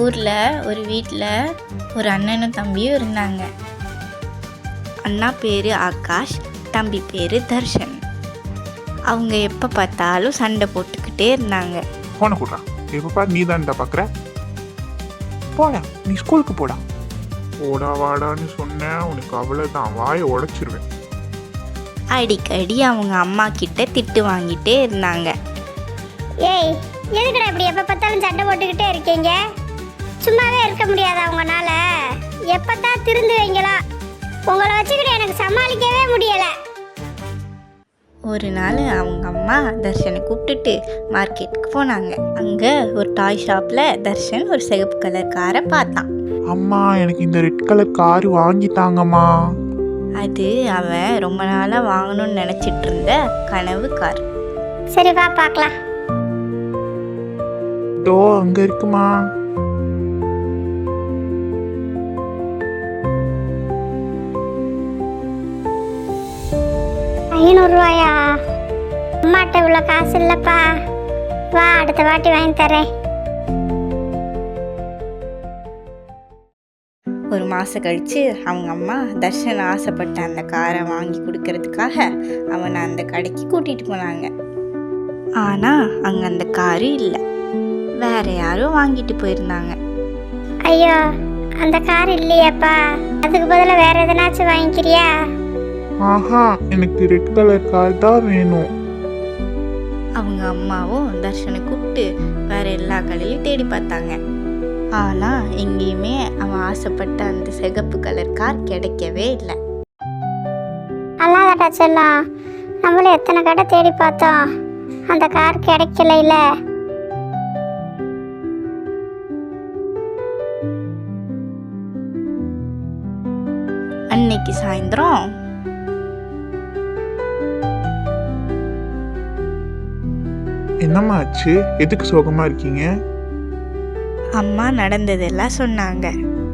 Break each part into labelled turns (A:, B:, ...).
A: ஊரில் ஒரு வீட்டில் ஒரு அண்ணனும் தம்பியும் இருந்தாங்க. அண்ணா பேர் ஆகாஷ், தம்பி பேர் தர்ஷன். அவங்க எப்போ பார்த்தாலும் சண்டை போட்டுக்கிட்டே இருந்தாங்க.
B: போன கூடா எப்போ பாரு நீ தான்டா பார்க்குற. போடா நீ ஸ்கூலுக்கு போடா. போடா வாடான்னு சொன்னேன், உனக்கு அவ்வளோதான், வாயை உடைச்சிருவேன்.
A: அடிக்கடி அவங்க அம்மா கிட்ட திட்டு வாங்கிட்டே இருந்தாங்க.
C: ஏய், எதுக்குடா இப்படி எப்போ பார்த்தாலும் சண்டை போட்டுக்கிட்டே இருக்கீங்க? சும்மாவே இருக்க முடியாதா உங்களால? எப்போத்தான் திருந்துவீங்களா? உங்களை வச்சுக்கிட்டு எனக்கு சமாளிக்கவே முடியலை.
A: ஒரு நாள் அவங்க அம்மா தர்ஷனை கூப்பிட்டுட்டு மார்க்கெட்டுக்கு போனாங்க. அங்கே ஒரு டாய் ஷாப்பில் தர்ஷன் ஒரு சிகப்பு கலர் காரை பார்த்தான்.
B: அம்மா எனக்கு இந்த ரெட் கலர் காரு வாங்கித்தாங்கம்மா.
A: அது அவன் ரொம்ப நாளாக வாங்கணும்னு நினச்சிட்டு இருந்த கனவு கார்.
C: சரி வா பார்க்கலாம்.
B: டோ அங்க இருக்குமா?
C: ரூபாயா? அம்மாட்ட இவ்வளோ காசு இல்லைப்பா. வா அடுத்த வாட்டி வாங்கி தரேன்.
A: ஒரு மாதம் கழித்து அவங்க அம்மா தர்ஷன் ஆசைப்பட்ட அந்த காரை வாங்கி கொடுக்கறதுக்காக அவனை அந்த கடைக்கு கூட்டிகிட்டு போனாங்க. ஆனால் அங்கே அந்த காரு இல்லை, வேற யாரும் வாங்கிட்டு போயிருந்தாங்க.
C: ஐயோ, அந்த கார் இல்லையாப்பா? அதுக்கு பதிலாக வேற எதனாச்சும் வாங்கிக்கிறியா?
B: ஆஹா, எனக்கு ரெட் கலர் கார் தான் வேணும்.
A: அவங்க அம்மாவும் தர்ஷனை கூப்பிட்டு வேற எல்லா கடையிலையும் தேடி பார்த்தாங்க. ஆனால் எங்கேயுமே அவன் ஆசைப்பட்ட அந்த சிகப்பு கலர் கார் கிடைக்கவே இல்லை.
C: அல்லாதடா செல்லம், நம்மளும் எத்தனை கடை தேடி பார்த்தோம், அந்த கார் கிடைக்கல. இல்லை
A: அன்னைக்கு சாயந்தரம்
B: என்னம்மா ஆச்சு? எதுக்கு சோகமா இருக்கீங்க?
A: அம்மா நடந்ததெல்லாம் சொன்னாங்க.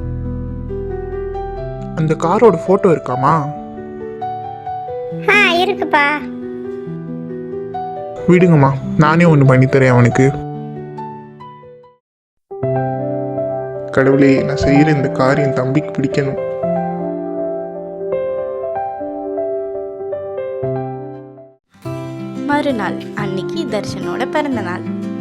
B: அந்த காரோட போட்டோ இருக்காமா?
C: இருக்குப்பா.
B: விடுங்கம்மா, நானே ஒன்று பண்ணித்தரேன் அவனுக்கு. கடவுளே, நான் செய்யற இந்த காரியம் தம்பிக்கு பிடிக்கணும்.
A: மறுநாள் அன்னைக்கு தர்ஷனோட பிறந்த நாள்.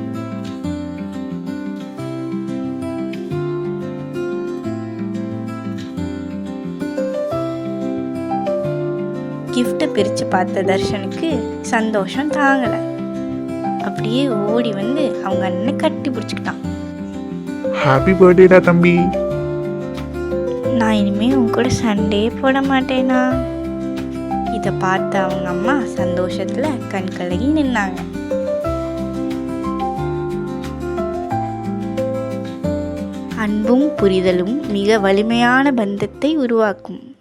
A: கிஃப்ட்டை பிரித்து பார்த்த தர்ஷனுக்கு சந்தோஷம் தாங்கலை. அப்படியே ஓடி வந்து அவங்க அண்ணனை கட்டி பிடிச்சிக்கிட்டான்.
B: ஹாப்பி பர்த்டேடா தம்பி.
A: நான் இனிமேல் உன் கூட சண்டையே போட மாட்டேனா? இதை பார்த்த அவங்க அம்மா சந்தோஷத்தில் கண் கலங்கி நின்னாங்க. அன்பும் புரிதலும் மிக வலிமையான பந்தத்தை உருவாக்கும்.